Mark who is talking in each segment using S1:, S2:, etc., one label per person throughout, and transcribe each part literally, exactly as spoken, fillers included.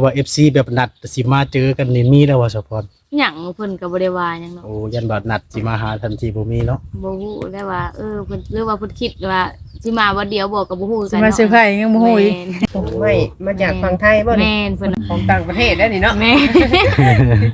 S1: ว่า เอฟ ซี แบบนัดสิมาเจอกันนี่มีแล้วว่าสะพร
S2: หยังเพิ่นก็บ่ได้ว่าหยังเนาะ
S1: โอ้ยันบัดนัดสิมาหาทันทีบ่มีเนาะ
S2: บ่ฮู้ได้ว่าเออเพิ่นหรือว่าเพิ่นคิดว่าสิมาวันเดียวบ่ก็บ่ฮู้
S3: สิ
S2: กัน
S3: มา
S2: เนาะ
S3: เซอร์ไพรส์ยังบ่ฮู้อีก
S4: ไม่มาจากฝั่งไทยบ่นี่
S2: แม่นเพิ่น
S4: ของต่างประเทศได้นี่เนาะ
S2: แม่น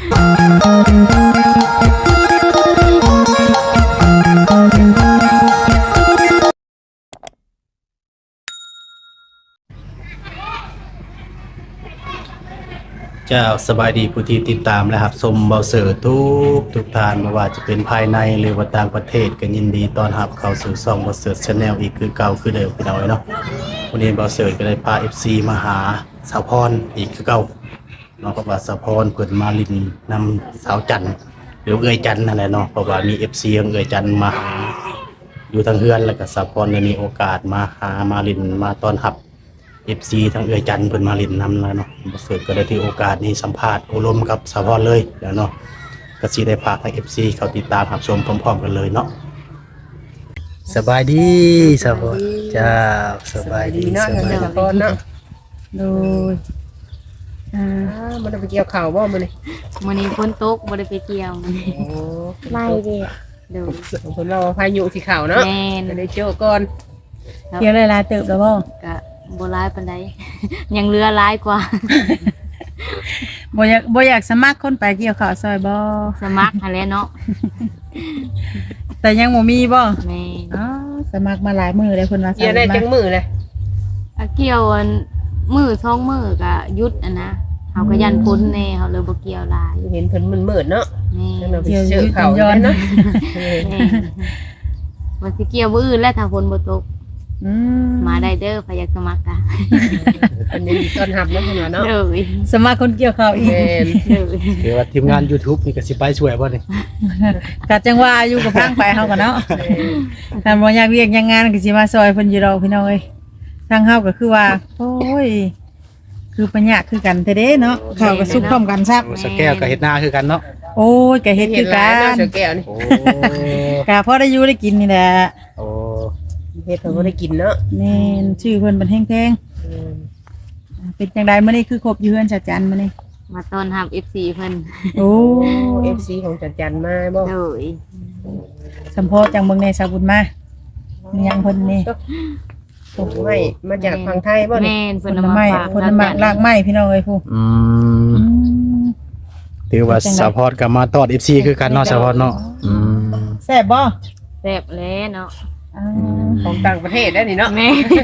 S1: เจ้าสบายดีผู้ที่ติดตามนะครับชมเบาเสือทุกทุกทานไม่ว่าจะเป็นภายในหรือว่าต่างประเทศก็ยินดีต้อนรับเข้าสู่ช่องเบาเสือ Channel อีกคือเก่าคือเดิมพี่น้องเนาะวันนี้เบาเสือก็ได้พา เอฟ ซี มาหาสาวพรอีกคือเก่าเนาะเพราะว่าสาวพรเพิ่นมาลินนำสาวจันทร์หรือเอื้อยจันทร์นั่นแหละเนาะเพราะว่ามี เอฟ ซี ของเอื้อยจันทร์มาหาอยู่ทางเฮือนแล้วก็สาวพรได้มีโอกาสมาหามาลินมาต้อนรับ เอฟ ซี ทั้งเอื้อยจันทร์เพิ่นมาเล่นนำแล้วเนาะบ่เสิร์ฟก็ได้ถือโอกาสนี้สัมภาษณ์อบรมกับสาวพรเลยแล้วเนาะก็สิได้พาทาง เอฟ ซี เข้าติดตามรับชมพร้อมๆกันเลยเนาะสบายดีสาวพรจ้าสบายดี
S4: เนาะ
S1: สบาย
S4: ทาง
S1: ดี
S4: สะพอนเนาะ
S3: โดยอ่า
S4: อ่ามันไปเกี่ยวข้าวบ่มื้อนี้
S2: มื้อนี้ฝนตกบ่ได้ไปเที่ยวมื้อนี้
S4: โอ้
S5: ไม่เดีย
S2: เด้อ
S4: เพิ่นว่าพายุสิเข้าเนาะ
S2: แม่น
S4: จะได้เจอก่อน
S3: เที่ยวหลายๆเติบแล้วบ่
S2: ก็บ่หลายปานใด ยังเหลือหลายกว่า
S3: บ่อยากบ่อยากสมัครคนไปเกี่ยวข้าวซอยบ่
S2: สมัครหั่นแหละเนาะ
S3: แต่ยังบ่มีบ่
S2: แม่น
S3: อ๋อสมัครมาหลายมื้อแล้วเพิ่นว่า
S4: เกี่ยวได้จังมื้อเลย
S2: อะเกี่ยวอันมื้อสองมื้อก็หยุดอะนะเฮาก็ยันพ้นแน่เฮาเลยบ่เกี่ยวหลาย
S4: เห็นเพิ่นมืดๆเนาะ
S2: แม่
S4: จังเราไป
S3: เที่ยว
S4: เจ
S3: ยื
S4: อ
S3: ด
S4: ข้าว
S3: ย้อน
S4: เนาะ
S2: แม่ว่าสิเกี่ยวมื้ออื่นแล้วถ้าฝนบ่ตก
S3: อืม
S2: มาได้เด้อใครอยากสมัครอ่ะ
S4: เพิ่นยินดีต้อนรับเนาะเพิ่นว่าเนาะ
S2: เด้อ
S3: สมัครคนเกี่ยวข้าวอีก
S4: แม่น
S2: เด้อ
S1: คือว่าทีมงาน YouTube นี่ก็สิไปช่วยบ่นี่
S3: ก็จังว่าอยู่กับทางไปเฮาก็เนาะถ้าบ่อยากเวียกอยากงานก็สิมาซอยเพิ่นอยู่ดอกพี่น้องเอ้ยทางเฮาก็คือว่าโอ้ยคือปัญญาคือกันแท้เด้เนาะข้าวก็สุกพร้อมกันซับ
S1: โอ้สแก้วก็เฮ็ดนาคือกันเนาะ
S3: โอ้ยก็เฮ็ดคือกั
S4: เนาะ
S3: น
S4: เสือแก้วนี่
S1: โอ้
S3: ก็พอได้อยู่ได้กินนี่แหละ
S1: โอ้
S4: เฮ็ดเพิ่นบ่ได้กินเนาะ
S3: แม่นชื่อเพิ่นเป็นแพง
S4: อืม
S3: ๆเป็นจังไดมื้อนี้คือครบอยู่เฮือนชาจันมื้อนี้
S2: มาต้อนรับ เอฟ ซี เพิ่น
S3: โอ้
S4: โอ้ เอฟ ซี ของจันจันมาบ่
S2: เด้อ
S3: สัมโพธจังเบิ่งในสาบุญมามีหยังเพิ่นนี่
S4: ไม่มาจากฝั่งไทยบ่นี่
S2: แม่น
S3: ผ
S2: เพิ่น
S3: ล
S2: เอามา
S3: ไม้
S2: ฝาก
S3: ผลไม้รากไม้พี่น้องเอ้ยผู้
S1: อืม
S3: อืม
S1: ถือว่าสาวพรก็มาตอด เอฟ ซี คือกันเนาะสาวพรเนาะอืม
S3: แซ่บบ่
S2: แซ่บแล้วเนาะ
S3: อ่า
S4: ของต่างประเทศได้นี่เนาะ
S2: แม่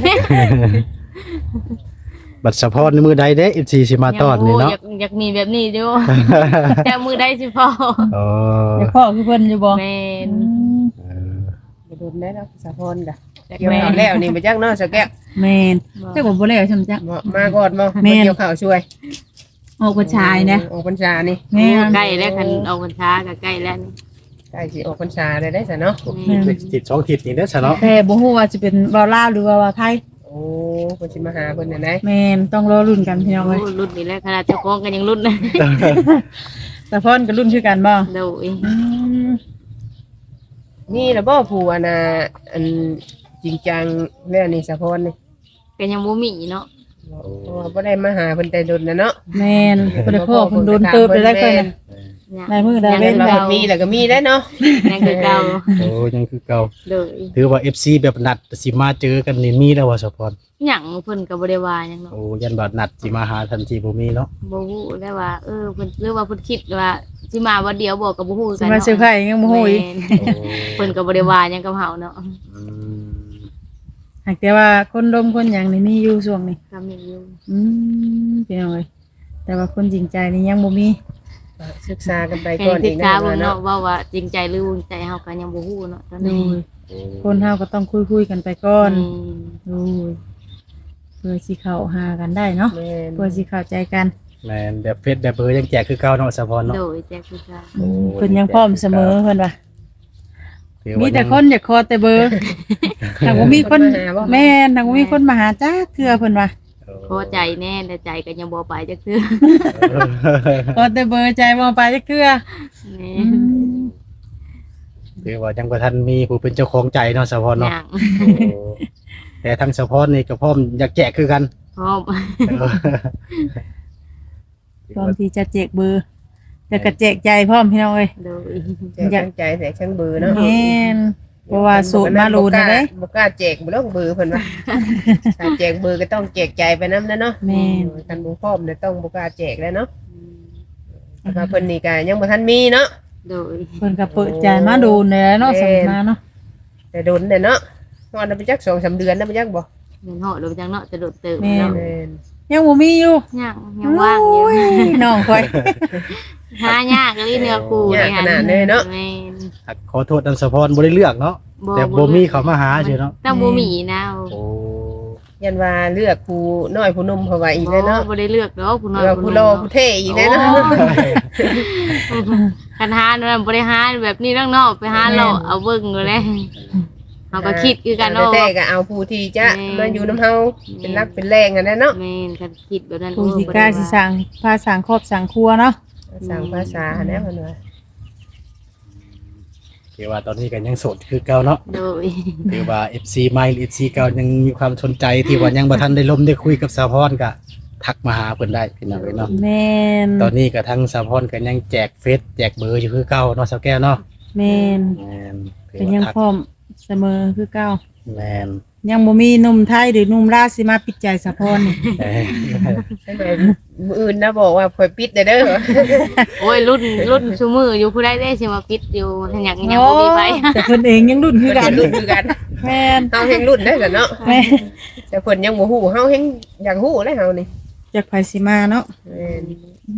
S1: บัดสาวพรในมือใดเด้ เอฟ ซี สิมาตอดนี่เนาะ
S2: อยากอยากมีแบบนี้อยู่ แต่มือได้สิพอ
S1: โอ้
S3: เดี๋ยวพ่อคือเพิ่นอยู่บ่
S2: แม่น
S3: อืม
S4: อย่าโดนได้แล้วสะพรกะเกี่ยวข้าวแล้วนี่มาจักเนาะสะแก้ว
S3: แม่นเจ้าก็บ่แล้วใช่มั้ยจ๊ะ
S4: มามาก่อนบ่
S3: แม่
S4: มาน เกี่ยวข้าวช่วย
S3: ออกกระชายนะ
S4: ออกพรรษานี่
S3: แม่น
S2: ใกล้แล้วคันเอาพรรษาก็ใกล้แล้วนี่
S4: ใกล้สิออกพรรษาได้ได้ซะเนาะ
S2: แม่น
S1: ติดสองทิศนี่เด้อซะเนาะ
S3: แต่บ่ฮู้ว่าสิเป็นเว้าลาวหรือว่าว่าไทย
S4: โอ้เพิ่นสิมาหาเพิ่นน่ะนะ
S3: แม่นต้องรอรุ่นกันพี่น้อง
S2: โอ้
S3: เอ้ย
S2: รุ่นนี้แล้วขนาดเจ้าของกันยังรุ่นนะ
S3: แต่พ่อนก็รุ่นคือกันบ่
S2: เด้อ
S3: อืม
S4: นี่ล่ะบ่ผู้อันน่ะอันจริงจังแล้วนี่สะพรนี่
S2: ก็ยังบ่มีเนาะ
S4: เพราะว่าบ่ได้มาหาเพิ่นแต่ดนน่ะเนาะ
S3: แม่นบ่ได้พ่อเพิ่นโดนเติบไปได้ค่อยน่ะ ได้มื้อได้เว้
S4: เล่
S3: น
S4: น
S3: ได้
S4: เรามีแล้วก็มีได้เนาะ
S2: ยังคือเก่า
S1: โอ้ยังคือเก่า
S2: เด้อ
S1: ถือว่า เอฟ ซี แบบนัดสิมาเจอกันนี่มีแล้วว่าสาวพร
S2: หยังเพิ่นก็บ่ได้ว่าหยังเนาะ
S1: โอ้ยันบัดนัดสิมาหาทันทีบ่มีเนาะ
S2: บ่ฮู้ได้ว่าเออเพิ่นหรือว่าเพิ่นคิดว่าสิมาวันเดียวบ่ก็บ่ฮู้
S3: สิ
S2: กัน
S3: มา
S2: เนาะ
S3: เซอร์ไพรส์ยังบ่ฮู้อีก
S2: แม่น
S1: โอ้
S2: เพิ่นก็บ่ได้ว่าหยังกับเฮาเนาะ
S1: อืม
S3: หากแต่ว่าคนดมคนหยังนี่มีอยู่ช่วงนี้
S2: ก็มีอยู่
S3: อืมพี่น้องเอ้ยแต่ว่าคนจริงใจนี่ยังบ่มี
S4: ศึกษากันไป
S2: แค่
S4: ก่อน
S2: ศึ
S4: อี
S2: ก
S4: ก
S2: ษา
S4: นะ
S2: เบิ่ง
S4: เนาะ
S2: เนาะว่าว่าจริงใจหรือวงใจเฮาก็ยังบ่ฮู้เนาะตอน
S3: ดู
S2: นี้
S3: คนเฮาก็ต้องคุยๆกันไปก่อน
S2: อืม
S3: ดูเพื่อสิเข้าหากันได้เนาะ
S4: แม่น
S3: เพื่อสิเข้าใจกัน
S1: แม่นแบบเฟซแบบเบอร์ยังแจกคือเก่าเนาะสาวพรเนาะ
S2: โดยแจกคือกัน
S3: อืมเพิ่นยังพร้อมเสมอเพิ่นว่า
S1: ถือว่า
S3: มีแต่
S1: ยัง
S3: คนอยากขอแต่เบอร์ถ้าบ่มีคนแม่นถ้าบ่มีคนมาหาจ้าเทื่อเพิ่นว่า
S2: พอใจแน่แต่ใจก็ยังบ่ไปจักเทื่อ
S3: ขอแต่เบอร์ใจบ่ไปจักเทื่อ
S2: แม่
S3: อืม
S1: ถือว่ายังบ่ทันมีผู้เป็นเจ้าของใจเนาะสาวพรเนาะ
S2: ยัง
S1: โอ้แต่ทั้งสาวพรนี่ก็พร้อมอยากแจกคือกัน
S2: พร้อม
S3: พร้อมที่จะแจกเบอร์แต่ก็แจกใจพร้อมพี่น้องเอ้ย
S2: โดย
S4: แจกทั้งใจแจกทั้งเบอร์เนาะ
S3: แม่นเพราะว่าสูตรมารูนนะเด้
S4: บ่กล้าแจกบ่ต้องเบอร์เพิ่นว่าถ้าแจกเบอร์ก็ต้องแจกใจไปนำนะเนาะ
S3: แม่น
S4: กันบ่พร้อมเนี่ยต้องบ่กล้าแจกแล้วเนาะแล้วก็เพิ่นนี่ก็ยังบ่ทันมีเนาะ
S2: โดย
S3: เพิ่นก็เปิดใจมาดูแลเนาะสมัยมาเนาะ
S4: แต่โดนเนี่ยเนาะนอนไปจัก สองสาม เดือนนะไปจักบ่
S2: เงินเหาะโดยจังเนาะจะโดดเติม
S3: แม่
S2: เนาะ
S4: แม่น
S3: ยังบ่มีอยู่
S2: ยังยังว่างอยู่
S3: โอ้ยน้องข่อย
S2: หายากเลยเนื้อคู่เลยค่ะแม่น
S1: ขอโทษนำสะพรบ่ได้เลือกเนาะแต่บ่มีเขามาหาเฉยเนาะ
S2: ต้องบ่มีนะ
S1: โอ้
S4: ยันว่าเลือกผู้น้อยผู้หนุ่มเพราะว่าอีกแล้วเนาะ
S2: บ่ได้เลือกดอกผู้น้อย
S4: เลือกผู้โลผู้เท่อีกแล้วเนาะ
S2: คันหานั่นบ่ได้หาแบบนี้นอกๆไปหาเราเอาเบิ่งอยู่แล้วเฮาก็คิดคือกันเนาะ
S4: แต่ก็เอาผู้ที่จะมาอยู่นำเฮาเป็นรักเป็นแรงกันแน่เนาะ
S2: แม่นคันคิดแบบนั้น
S3: ผู้สิกล้าสิสร้างพาสร้างครอบสร้างครัวเนาะ
S4: สร้างภาษาแน่เพิ่นว่า
S1: คือว่าตอนนี้ก็ยังโสดคือเก่าเนาะ
S2: โดย
S1: คือว่า เอฟ ซี ใหม่ เอฟ ซี เก่ายังมีความสนใจที่ว่ายังบ่ทันได้ลมได้คุยกับสะพรก็ทักมาหาเพิ่นได้พี่น้องเอ้ยเนาะ
S3: แม่น
S1: ตอนนี้ก็ทั้งสะพรก็ยังแจกเฟซแจกเบอร์อยู่คือเก่าเนาะสาวแก้วเนาะ
S3: แม่น
S1: แม่นคือ
S3: เป็น
S1: ว่า
S3: ยัง
S1: ทัก
S3: พร้อมเสมอคือเก่า
S1: แม่น
S3: ยังบ่มีหนุ่มไทยหรือหนุ่มลาวสิมาปิดใจสะพรนี่
S1: เอ้ย
S4: ใช่ไหมมื้ออื่นนะบอกว่าข่อยปิดได้เด้อ
S2: โอ้ยรุ่นรุ่นซุมืออยู่ผู้ใดได้สิมาปิดอยู่หยังยังบ่มีไผ
S3: แต่เพิ่นเองยังรุ่นคือกัน
S4: รุ่นคือกัน
S3: แม่น
S4: เฮาแฮงรุ่นได้กันเนาะ
S3: แม่น
S4: แต่เพิ่นยังบ่ฮู้เฮาแฮงอยากฮู้เลยเฮานี่
S3: จากไผสิมาเนาะ
S4: แม่น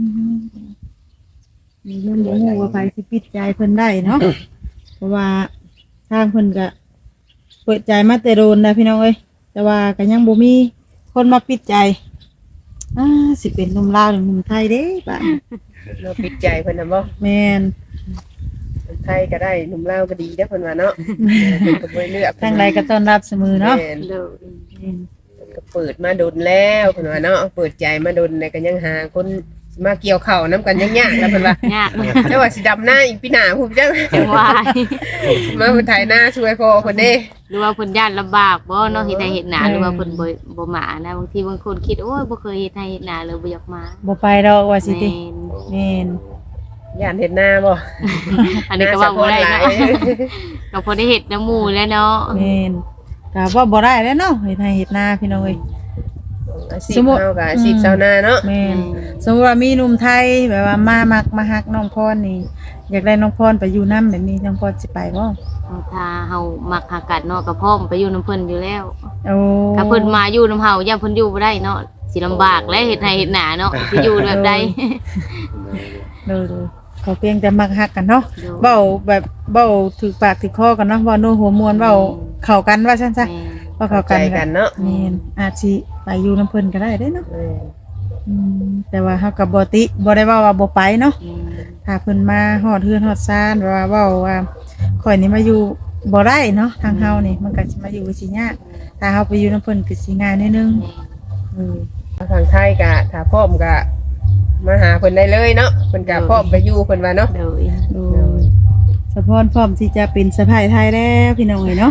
S3: มีเรื่องบ่ฮู้ว่าไผสิปิดใจเพิ่นได้เนาะ เพราะว่าทางเพิ่นก็เปิดใจมาแต่โดนนะพี่น้องเอ้ยแต่ว่าก็ยังบ่มีคนมาปิดใจอ่าสิเป็นหนุ่มลาวหรือหนุ่มไทยเด้บ้าน
S4: เราปิดใจเพิ่นน่ะบ่
S3: แม่น
S4: ไทยก็ได้หนุ่มลาวก็ดีเด้อเพิ่นว่าเนาะเพิ่นก็บ่เลือก
S3: ทางใดก็ต้อนรับเสมอเนาะ
S4: แม่น
S2: โดย
S3: แม่น
S4: ก็เปิดมาดนแล้วเพิ่นว่าเนาะเปิดใจมาดนเนี่ยก็ยังหาคนมาเกี่ยวข้าวนํกันยังยากแล้วเพิ่นว่าย
S2: าก
S4: แต่ว่าสิดำหน้าอีกปีหน้าพุ่นจัง
S2: จังว่า
S4: มาเพิ่นถ่ายหน้าช่วยพ่อเพิ่นเด้
S2: หรือว่าเพิ่นย่านลำบากบ่เนาะเฮ็ดให้เฮ็ดหน้าหรือว่าเพิ่นบ่บ่มานะบางทีบางคนคิดโอ้ยบ่เคยเฮ็ดให้เฮ็ดหน้าเลยบ่อยากมา
S3: บ่ไปดอกว่าสิติ
S2: แม่น
S3: แม่น
S4: ย่านเห็นหน้าบ่
S2: อันนี้ก็ว่าบ่ได้
S4: หน้า
S2: เนาะ
S4: สะพอนหลาย
S2: ก็พอได้เฮ็ดน้ำหมู่แล้วเนาะ
S3: แม่นก็ว่าบ่ได้แล้วเนาะเฮ็ดให้เฮ็ดนาพี่น้องเอ้ย
S4: อาชีพเฮาก็อาชีพชาวนาเนาะ
S3: แม่นสมมุติว่ามีหนุ่มไทยแบบว่ามามักมาฮักน้องพรนี่อยากได้น้องพรไปอยู่นำแบบนี้น้องพรสิไปบ่
S2: ถ้าเฮามักหากัดเนาะก็พร้อมไปอยู่นํเพิ่นอยู่แล้ว
S3: โอ้
S2: ถ้าเพิ่นมาอยู่นํเฮาย่าเพิ่นอยู่บ่ได้เนาะสิลำบากและเฮ็ดให้เฮ็ดหน้าเนาะสิอยู่แบบใด
S3: เด้อๆขอเพียงแต่มักฮักกันเนาะ
S2: เด้อ
S3: เว้าแบบเว้าถูกปากถูกคอกันเนาะเว้าโน้หัวมวนเว้าเข้ากันว่าซั่นซะ
S2: แม่
S3: เว้า
S4: เข้า
S3: เข้า
S4: ใจ
S3: กัน
S4: กันเนาะ
S3: แม่นอาจสิไปอยู่นํเพิ่นก็ได้เด้เนาะ
S4: เออ
S3: อืมแต่ว่าเฮาก็บ่ติบ่ได้เว้าว่าบ่ไปเนาะ
S2: แม่
S3: ถ้าเพิ่นมาฮอดเฮือนฮอดซ่านว่าเว้าว่าข่อยนี่มาอยู่บ่ได้เนาะทางเฮานี่มันก็สิมาอยู่สิยากถ้าเฮาไปอยู่นํเพิ่นก็สิง่ายนิดนึงเออ
S4: ทางไทยก็ถ้าพร้อมก็มาหาเพิ่นได้เลยเนาะเพิ่นก็พร้อมไปอยู่เพิ่นว่าเนาะ
S2: โดย
S3: โดยสะพรพร้อมที่จะเป็นสะพายไทยแล้วพี่น้องเอ้ยเนาะ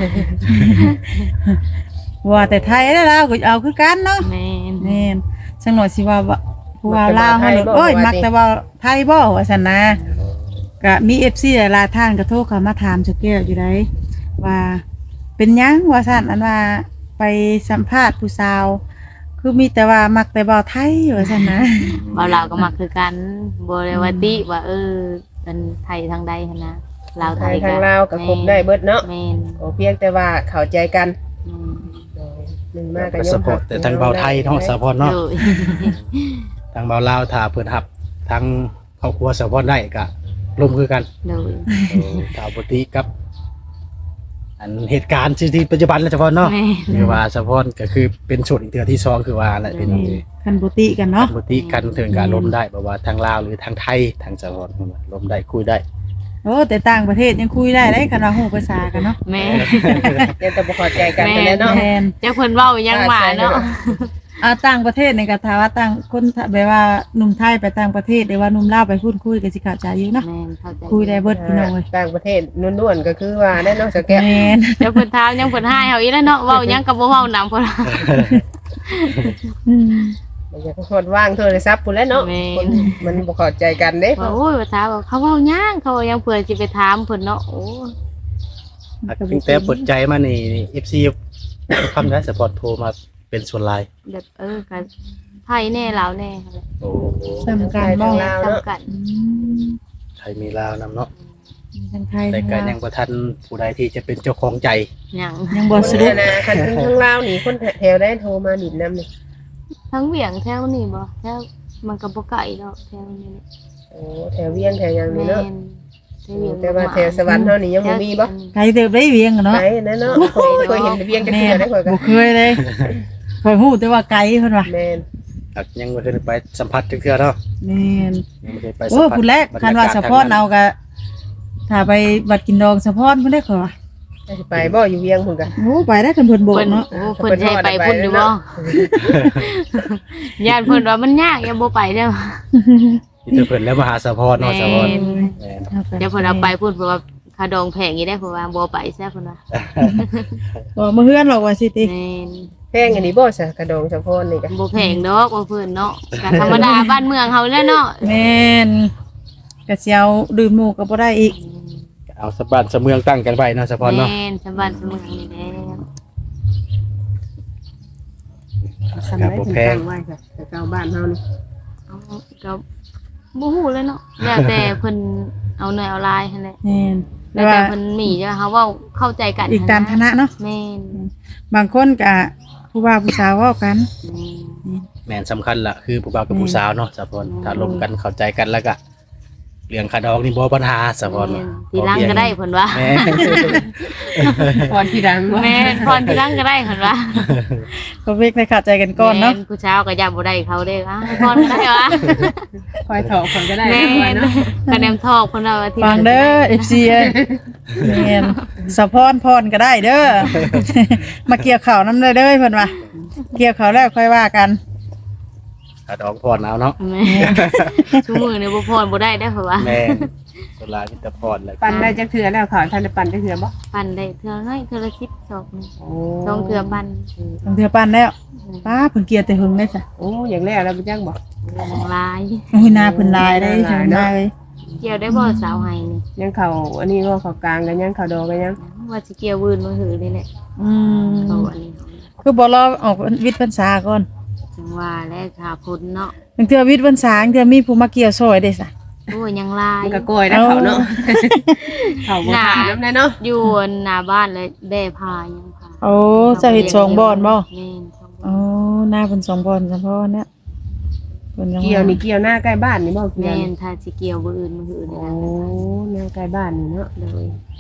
S3: ว่าแต่ไทยแล้วเราก็เอาคือกันเนาะ
S2: แม่น
S3: แม่นจังหน่อยสิว่าว่าผู้ว่าลาวเฮาโลดโอ้ยมักแต่ว่าไทยบ่ว่าซั่นนะก็มี เอฟ ซี หลายๆท่านก็โทรเข้ามาถามจักแก้วอยู่ได้ว่าเป็นหยังว่าซั่นอันว่าไปสัมภาษณ์ผู้สาว คือมีแต่ว่ามักแต่บ่าวไทยว่าซั่นนะ
S2: บ่ลาวก็มักคือกันบ่ได้ว่าติว่าเออเป็นไทยทางใดหั่นนะลาว
S4: ไท
S2: ไท
S4: ย
S2: ย
S4: ทางลาวก็ครบได้เบิดเนาะ
S2: แม่น
S4: ขอเพียงแต่ว่าเข้าใจกัน
S2: อืม
S4: หนึ่งมากก็
S1: ก็
S4: ย
S1: ส
S4: อม
S1: ปอร์ตแต่ทางเบาไทยเนาะสะพรเนาะ
S2: โดย
S1: ทางเบาลาวถ้าเพิ่นรับทางครอบครัวสะพรได้ก็ร่วมคือกัน
S2: โดย
S1: เออถ้าบ่ติกับ อันเหตุการณ์ที่ที่ปัจจุบันแล้วสะพรเนาะ
S2: แม่
S1: คือว่าสะพรก็คือเป็นโสดอีกเทื่อที่สองคือว่าแหละพี่น้องเอ้ย
S3: คันบ่ติกันเนาะ
S1: บ่ติกันถึงการล้มได้บ่ว่าทางลาวหรือทางไทยทางสะพรเพิ่นว่าล้มได้คุยได้
S3: โอ้แต่ต่างประเทศยังคุยได้ได้คันว่าฮู้ภาษากันเนาะ
S2: แม่
S4: ยังแต่บ่เข้าใจกันไปแล้วเนาะ
S3: แม่น
S2: เจ้าเพิ่นเว้ายังหมาเนาะ
S3: อ่าต่างประเทศนี่ก็ถ้าว่าต่างคนแบบว่าหนุ่มไทยไปต่างประเทศหรือว่าหนุ่มลาวไปพูดคุยก็สิเข้าใจอยู่เนาะ
S2: แม่นเข้าใจ
S3: คุยได้เบิดพี่น้องเอ้ย
S4: ต่างประเทศล้วนๆก็คือว่าได้เนาะสแกน
S3: แม่น
S2: เจ้าเพิ่นถามยังเพิ่นให้เฮาอีแล้วเนาะเว้ายังก็บ่เว้านำเพิ่น
S3: อืม
S4: มันจะฮอดว่างโทรศัพท์พุ่นแหล้วเนาะคนมันบ่เข้าใจกันเด้
S2: ว่าโอ้ยว่าถามว่าเขาเว้าหยังเขาว่าหยังเพิ่นสิไปถามเพิ่นเนาะโอ้
S1: ตั้งแต่เปิดใจมานี่ เอฟ ซี คำได้สปอร์ตโทรมาเป็นส่วนหลาย
S2: แบบเออก็ไทยแน่ลาวแน่ค่ะ
S1: โอ้
S3: สำคัญบ่
S4: ลาว
S2: ซ้ำ
S4: เนาะ
S2: กัน
S3: อืม
S1: ไทยมีลาวนำเนาะ
S3: มีทั้งไทย
S1: แต่
S3: ทั้ง
S1: ก็
S3: ลาว
S1: ยังบ่ทันผู้ใดที่จะเป็นเจ้าของใจ
S2: หยัง
S3: ยังบ่
S4: คน
S3: สะดุ
S4: เนี่
S3: ด
S4: ยนะคันทั้งทั้งลาวนี่คนแถวได้โทรมาดิดน้ำนี่
S2: ทั้งเวียงแถวนี่บ่แถวมันก็บ่ไกลดอกแถวนี้นี่
S4: โอ้แถวเวียงแถวหยังนี่
S2: แม่
S4: เนาะ
S2: นแถวเวียง
S4: แต่ว่าแถวสวรรค์เฮานี่ยังบ่มีบ่
S3: ไกลเติบได้เวียงอะเนาะ
S4: ไปนั่นเนาะเคยเคยเห็นเวียงจัก
S3: แม่
S4: เทื่อได้ข่อยก็
S3: บ่เคยเลยเคยฮู้แต่ว่าไกลเพิ่นว่า
S4: แม่น
S1: อักยังบ่เคยไปสัมผัสจักเทื่อเนาะ
S3: แม่น
S1: ยังบ่เคยไปสั
S3: โอ้
S1: มผัส
S3: ผู้แรกคันว่าสะพอนเอาก็ถ้าไปบัดกินดองสะพอนเพิ่นได้ขอว่า
S4: สิไปบ่อยู่เวียงพุ่นก็
S3: โอ้ไปได้คันเพิ่นโบก
S2: เพิ่น
S3: เนาะ
S2: โอ้เพิ่นสิให้ไปพุ่นอยู่บ่ญาติเพิ่นว่ามันยากอย่าบ่ไปเด้อ
S1: นี่แต่เพิ่นแล้วมาหาสะพอนเนาะสะพอน
S2: แม่น
S1: แม่น
S2: เดี๋ยวเพิ่นเอาไปพุ่นเพราะว่าค่าดองแพงอีได้เพราะว่าบ่ไปแซ่เพิ่นว่า
S3: บ่มาเฮือนหรอกว่าสิติ
S2: แม่น
S4: แพงอันนี้บ่ซะกระดองสะพอนนี่ก็
S2: บ่แพงดอกว่าเพิ่นเนาะก็ธรรมดาบ้านเมืองเฮาแหล้วเนาะ
S3: แม่นก็สิเอาดื่มหมู่ก็บ่ได้อีก
S1: เอาสะบ้านสะเมืองตั้งกันไว้เนาะสะพอนเนาะ
S2: แม่นสบานสมุนนี่แหละ
S4: สำได้ถึงตั้งไว้ค่ะแต่เก่าบ้านเฮานี่
S2: เอาก็บ่ฮู้เลยเนาะแล้วแต่เพิ่นเอาหน่อยเอาลายหั่นแหละ
S3: แม่น
S2: แล้
S3: แต่
S2: ว
S3: ว่า
S2: แต่เพิ่นมีจะเฮาเว้าเข้าใจกัน
S3: อีกตามฐานะเนาะ
S2: แม่น
S3: บางคนก็ผู้ว่าผู้สาวเว้ากัน
S2: แม่น
S1: แม่นสำคัญล่ะคือผู้บ่าวกับผู้สาวเนาะสะพอนถ้าลงกันเข้าใจกันแล้วก็เรื่องค่าดอกนี่บ่ปัญหาสะพอน
S2: แม่นทีหลังก็ได้เพิ่นว่า
S1: แม่
S4: พรที่ดังว่า
S2: แม่นพรทีหลังก็ได้เพิ่นว่า
S3: ก็เวกได้เข้าใจกันก่อนเนาะ
S2: แม่ผู้สาวก็ย่าบ่ได้เขาเด้อ่ะพรก็ได้วะ
S4: คอยถอกคนก็ได้
S2: แม่
S4: นะคอย
S2: น
S4: เนาะ
S2: คะแนนทอกเพิ่นว่าที่
S3: ฟังเด้อ เอฟ ซี เอ้ยแม่นสะพอนพรก็ได้เด้อ มาเกี่ยวข้าวนำเด้อเด้อเพิ่นว่าเกี่ยวข้าวแล้วค่อยว่ากัน
S1: ค่าดอกพรเอาเนาะ
S2: แม่ชูมือนี่บ่พรบ่ได้ได้อเพิ่นว่า
S1: แม่นส่วนหลายมีแต่พรแล้ว
S4: ปั่นได้จักเทื่อแล้วข่าวท่านได้ปั่นจักเทื่อบ่
S2: ปั่นได้เทื่อน้อยเทื่อละสิบสองนี่
S4: โอ้
S2: สองเทื่อปั่น
S3: บางเทื่อปานแล้วป้าเพิ่นเกลียดแต่หึงได้จ้ะ
S4: โอ้อย่างแรกแล้วบ่จังบ่
S2: ของลาย
S3: โอ้ยหน้าเพิ่นลายได้ใช่ไหมเอ้ย
S2: เกี่ยวได้บ่สาวไห้นี่
S4: ยังเข้าอันนี้ก็เข้ากลางกันยังเข้าดอกกันยัง
S2: ว่าสิเกี่ยววืนมาหือนี่แหละ
S3: อืม
S2: เขาอันนี้
S3: คือบ่รอออกวิทย์พรรษาก่อน
S2: จังว่าและขาพ้นเนาะ
S3: บางเทื่อวิทย์พรรษาบางเทื่อมีผู้มาเกี่ยวซอยเด้ซะ
S2: โอ้ยยังลาย
S4: มันก็โกยนะเขาเนาะเขาบ่ถามนำได้เนาะ
S2: อยู่หน้าบ้านเลยแบ่พายังพา
S3: โอ้เจะเฮ็ดสองบ่อนบ่
S2: แม่นสองบ่
S3: อ๋อหน้าเพิ่นสองบ่อนเฉพาะเนี่ยเพิ่นยัง
S4: เกี่ยวนี่เกี่ยวหน้าใกล้บ้านนี่บ่เกี่ยว
S2: แม่
S4: นี่
S2: นถ้าสิเกี่ยวบ่อื่นมาหือนี่
S4: โอ้
S2: นะ
S4: หน้าใกล้บ้านนี่เนาะ
S2: เลย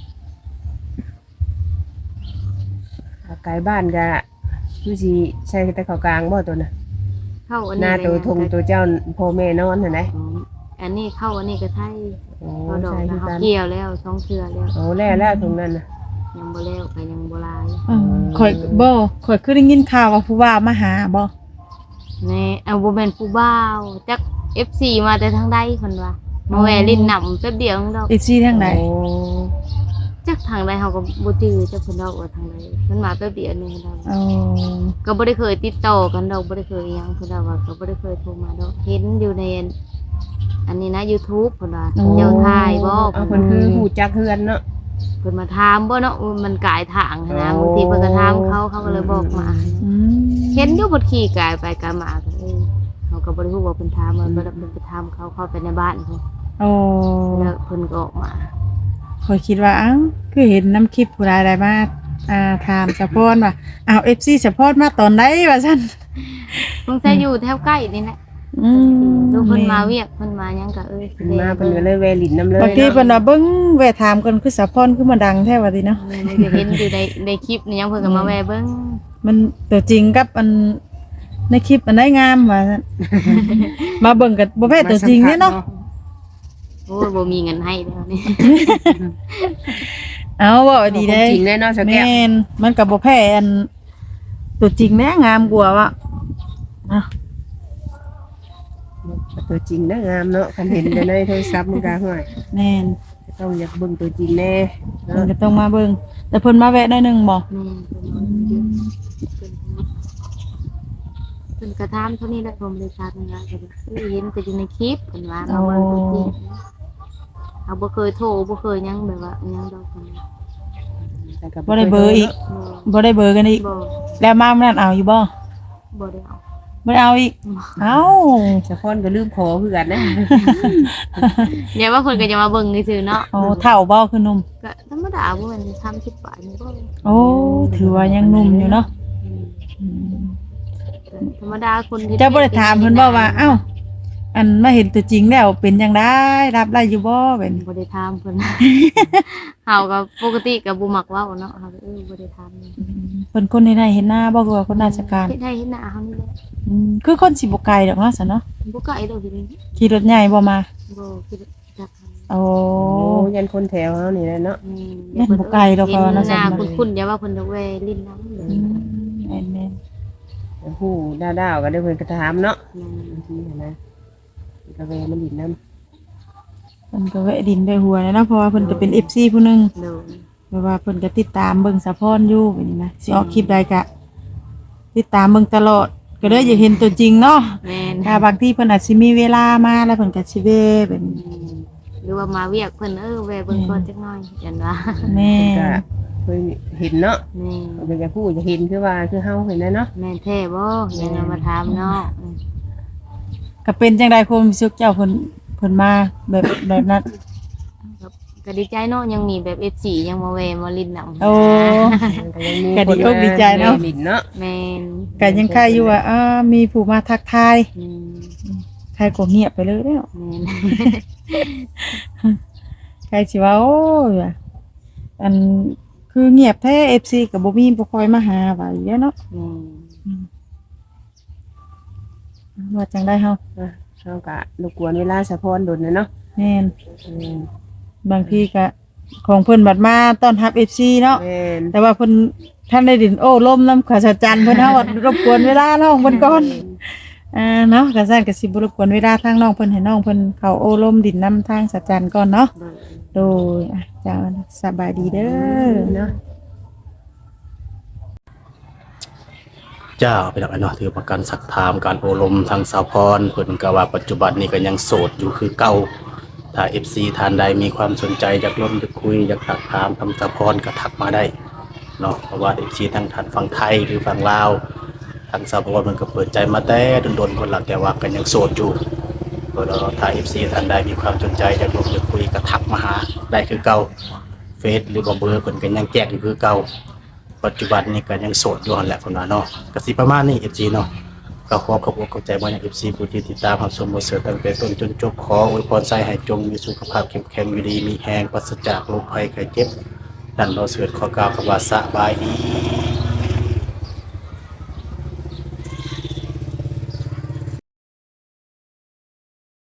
S4: ถ้าใกล้บ้านก็คือสิใช้แต่เข้ากลางบ่ตัวน่ะ
S2: เข้าอัน
S4: ห
S2: นี้
S4: น้าตัวทงตัวเจ้าพ่อแม่นอนหั่นไหน
S2: อ๋ออันนี้เข้าอันนี้ก็ไทย
S4: โอ้
S2: เขาดอก
S4: ใช่
S2: นะ
S4: คือ
S2: เขา
S4: กัน
S2: เกี่ยวแล้วสองเทื่อแล้ว
S4: โอ้แล้วแล้วตรงนั้นน่ะ
S2: ยังบ่แล้วก็ยังบ่ลาย
S3: อ๋อข่อยบ่ข่อยคือได้ยินข่าวว่าผู้ว่ามาหาบ่
S2: แม่เอาบ่แม่นผู้บ่าวจัก เอฟ ซี มาแต่ทางใดเพิ่นว่ามาแวะลิ้นหนำแป๊บเดียวนึงดอก
S3: อีซี่ทางไหน
S4: โอ้
S2: จักทางใดเฮาก็บ่จื้อจักเพิ่นดอกว่าทางใดมันมาแป๊บเดียวนึงดอก
S3: อ๋อ
S2: ก็บ่ได้เคยติดต่อกันดอกบ่ได้เคยอิหยังเพิ่นว่าว่าก็บ่ได้เคยโทรมาดอกเห็นอยู่ในอันนี้นะ YouTube เพิ่นว่าเจ้าทายบ่
S4: เอาเพิ่นคือฮู้จักเฮือนเนาะ
S2: เพิ่นมาถามบ่เนาะว่ามันกายทางหั้นนะบางทีเพิ่นก็ถามเขาเขาก็เลยบอกมา
S3: อืม
S2: เห็นอยู่บนขี่กายไปกายมาก็เออเขาก็บ่ได้ฮู้ว่าเพิ่นถามมันบ่ได้เพิ่นไปถามเขาเข้าไปในบ้านเพิ่น
S3: โอ้
S2: แล้วเพิ่นก็ออกมา
S3: ข่อยคิดว่าอ้าวคือเห็นน้ำคลิปผู้ใดได้มาอ่าถามสะพอนว่าอ้าว เอฟ ซี สะพอนมาตอนใดว่าซั่น
S2: เพิ่นจะอยู่แถวใกล้นี่แหละ
S3: อืม
S2: ลูกเพิ่นมาเวียกเพิ่นมาหยังก็เอ้ย
S4: เพิ่นมาเพิ่นก็เลยแวะลิ้นน้ำเลย
S3: บางทีเพิ่นว่าเบิ่งแวะถามกันคือสะพอนคือมาดังแท้ว่าติเนาะ
S2: มันจะเห็นอยู่ในในคลิปนี่ยังเพิ่นก็มาแวะเบิ่ง
S3: มันตัวจริงกับอันในคลิปอันได้งามว่าซั่น มาเบิ่งกันบ่แพ้ตัวจริงเนี่ยเนาะ
S2: โอ้ยบ่มีเงินให้แล้วนี่
S3: เอาเว้าดี
S4: ได้
S3: เด้
S4: จริงแน่เนอนสแก
S3: แม่นมันก็บ่แพ้อันตัวจริงแน่งามกว่าว่ะอ่ะ
S4: ตัวจริงนะงามเนาะคันเห็นแต่ในโทรศัพท์มันก็ห่วย
S3: แม่น
S4: ต้องอยากเบิ่งตัวจริงแน่
S3: เพิ่นก็ต้องมาเบิ่งแต่เพิ่นมาแวะหน่อยหนึงบ่
S2: แม่เพิ่นมาเยอะเพิ่นมาเพิ่นก็ถามเท่านี้แหละผมบ่ได้ถามหยังหลายก็แบบเอ้ยเห็นแต่อยู่ในคลิปเพิ่นว่ามาเบิ่งตัวจริงเอาบ่เคยโทรบ่เคยหยังแบบว่าหยังดอกเพิ่นว่า
S4: แต่ก็
S3: บ่ได้เบอร์อีก
S2: บ่
S3: บ่ได้เบอร์กันอีก
S2: บ่
S3: แล้วมามื้อนั้นเอาอยู่บ่
S2: บ่ได้เอา
S3: บ่ได้เอาอีกเอ้า
S4: สะพอนก็ลืมขอคือกันนะ
S2: อย่าว่าเพิ่นก็จะมาเบิ่งซื่อๆเนาะ
S3: โอ้เฒ่าบ่คือหนุ่ม
S2: ก็ธรรมดาบ่แม่นสามสิบปลายนี่บ่
S3: โอ้ถือว่ายังหนุ่มอยู่เนาะอืม
S2: ธรรมดาคนที่
S3: เจ้าบ่ได้ถามเพิ่นบ่ว่าเอ้าอันมาเห็นตัวจริงแล้วเป็นจังได๋รับได้อยู่บ่เป็น
S2: บ่ได้ถามเพิ่น เฮาก็ปกติก็บ่มักเว้าเนาะเฮาก็เออบ่ได้ถามนี่
S3: เพิ่นคนใดๆเห็นหน้าบ่คือว่าคนราชการ
S2: เฮ็ดให้เฮ็ดหน้าเฮานี่แหละ
S3: อืมคือคนสิบ่ไกลดอกเนาะซะเนาะ
S2: บ่ไกลดอกทีนี้
S3: ขี่รถใหญ่บ่มา
S2: บ่คิดจักทาง
S3: โอ้
S4: โอ้ยันคนแถวเฮานี่แหละเนาะ
S2: อืม
S3: แม่นบ่ไกลดอก
S2: เห็น
S3: ว่าน่า
S2: ห
S3: สน
S2: น้า
S3: ใจ
S2: คุ้นๆอย่าว่าเพิ่นจะแวลิ้นน้ำ
S3: อืมแม่น
S4: ผู้ดาวๆก็ได้เพิ่นก็ถามเนาะ
S2: อืม
S4: บางทีนะก็เวมันดินน้ำ
S3: ๆเพิ่นก็แวะดินด้วยหัวนะเนาะเพราะว่าเพิ่นก็เป็น เอฟ ซี ผู้หนึง
S2: โดน
S3: เพราะว่าเพิ่นก็ติดตามเบิ่งสะพรอยู่เป็นนะสิออกคลิปใดก็ติดตามเบิ่งตลอดก็เลยอยากเห็นตัวจริงเนาะ
S2: แม่น
S3: ถ้าบางทีเพิ่นอาจสิมีเวลามาแล้วเพิ่นก็สิเวะเป็น
S2: อืมหรือว่ามาเวียกเพิ่นเออแวะเบิ่งก่อนจักหน่อยยันว่า
S3: แม่
S4: ก็เคยเห็นเนาะ
S2: แม่
S4: ก็จะพูดจะเห็นคือว่าคือเฮาเห็นนะเนาะ
S2: แม่นแท้บ่ยังเอามาถามเนาะอืม
S3: ก็เป็นจังได๋ความรู้สึกเจ้าเพิ่นเพิ่นมาแบบแบบนั้น
S2: ก็ดีใจเนาะยังมีแบบ เอฟ ซี ยังมาแวะมาลิ้นน้ำ
S3: โอ้
S4: ก็ยังมี
S3: ก็ดีอกดีใจเนาะ
S4: ดินเนาะ
S2: แม่น
S3: ก็ยังคายอยู่ว่าอ้ามีผู้มาทักทาย
S2: อืม
S3: ใครก็เงียบไปเลยแล้ว
S2: แม่น
S3: ใครสิว่าโอ้ยว่ะอันคือเงียบแท้ เอฟ ซี ก็บ่มีบ่ค่อยมาหาว่าอยู่แล้วเนาะ
S2: แม่น
S3: ว่าจังได้เฮา
S4: อ่ะเฮาก็รบกวนเวลาสะพอนดนนะเนาะ
S3: แม่น
S4: อืม
S3: บางทีก็ของเพิ่นบัดมาต้อนรับ เอฟ ซี เนาะ
S4: แม่น
S3: แต่ว่าเพิ่นท่านได้ดินโอ้ลมน้ำขวาสะจันเพิ่นเฮาว่ารบกวนเวลาน้องเพิ่นก่อนอ่าเนาะก็ซั่นก็สิบ่รบกวนเวลาทางน้องเพิ่นให้น้องเพิ่นเข้าโอ้ลมดินน้ำทางสะจันก่อนเนาะ
S2: โดน
S3: โดยอ่ะเจ้าสบายดีเด้อ
S4: เนาะ
S1: เจ้าไปดอกไอ้เนาะถือประกันสักถามการโอลมทางสาวพรเพิ่นก็ว่าปัจจุบันนี้ก็ยังโสดอยู่คือเก่าถ้า เอฟ ซี ท่านใดมีความสนใจอยากร่วมอยากคุยอยากทักถามทำสาวพรก็ทักมาได้เนาะเพราะว่า เอฟ ซี ทั้งท่านฝั่งไทยหรือฝั่งลาวทางสาวพรเพิ่นก็เปิดใจมาแต่โดนๆคนหลักแต่ว่าก็ยังโสดอยู่ก็ถ้า เอฟ ซี ท่านใดมีความสนใจอยากร่วมอยากคุยก็ทักมาหาได้คือเก่าเฟซหรือว่าเบอร์เพิ่นก็ยังแจกอยู่คือเก่า ปัจจุบันนี้ก็ยังโสดอยู่หั่นแหละคนว่าเนาะก็สิประมาณนี้ เอฟ ซี เนาะก็ขอขอบอกเข้าใจว่าอย่าง เอฟ ซี ผู้ที่ติดตามรับชมบ่เสือตั้งแต่ต้นจนจบขออวยพรใส่ให้จงมีสุขภาพเข้มแข็งอยู่ดีมีแรงปราศจากโรคภัยไข้เจ็บนั่นเราเสือขอกล่าวคำว่าสบายดี